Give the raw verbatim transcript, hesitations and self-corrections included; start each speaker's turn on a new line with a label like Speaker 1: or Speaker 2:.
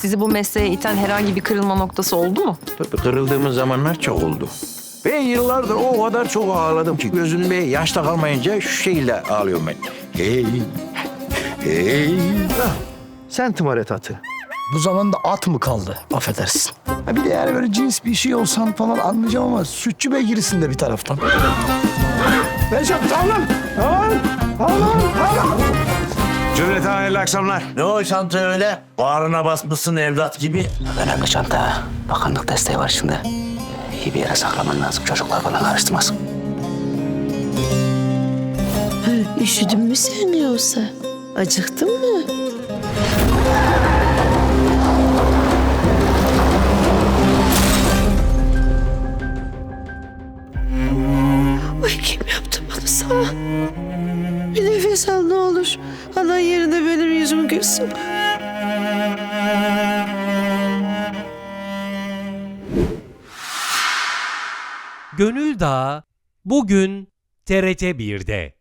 Speaker 1: Sizi bu mesleğe iten herhangi bir kırılma noktası oldu mu?
Speaker 2: Tabii kırıldığımız zamanlar çok oldu. Ben yıllardır o kadar çok ağladım ki gözümde yaş da kalmayınca şu şekilde ağlıyorum ben. Hey, hey.
Speaker 3: Sen tımaret atı.
Speaker 4: Bu zamanda at mı kaldı? Affedersin. Ha bir de yani böyle cins bir şey olsan falan anlayacağım ama sütçü beygirisin de bir taraftan. Recep tamam. Tamam. Tamam. Tamam.
Speaker 2: Cümleten hayırlı akşamlar.
Speaker 5: Ne o çanta öyle? Bağrına basmışsın evlat gibi.
Speaker 6: Önemli çanta. Bakanlık desteği var şimdi. İyi bir yere saklaman lazım. Çocuklar falan karıştırmasın.
Speaker 7: Üşüdün mü sen yoksa? Acıktın mı? Ay kim yaptı bunu sana? Bir nefes al ne olur. Anan yerine benim yüzümü görsün.
Speaker 8: Gönül Dağı bugün T R T bir'de.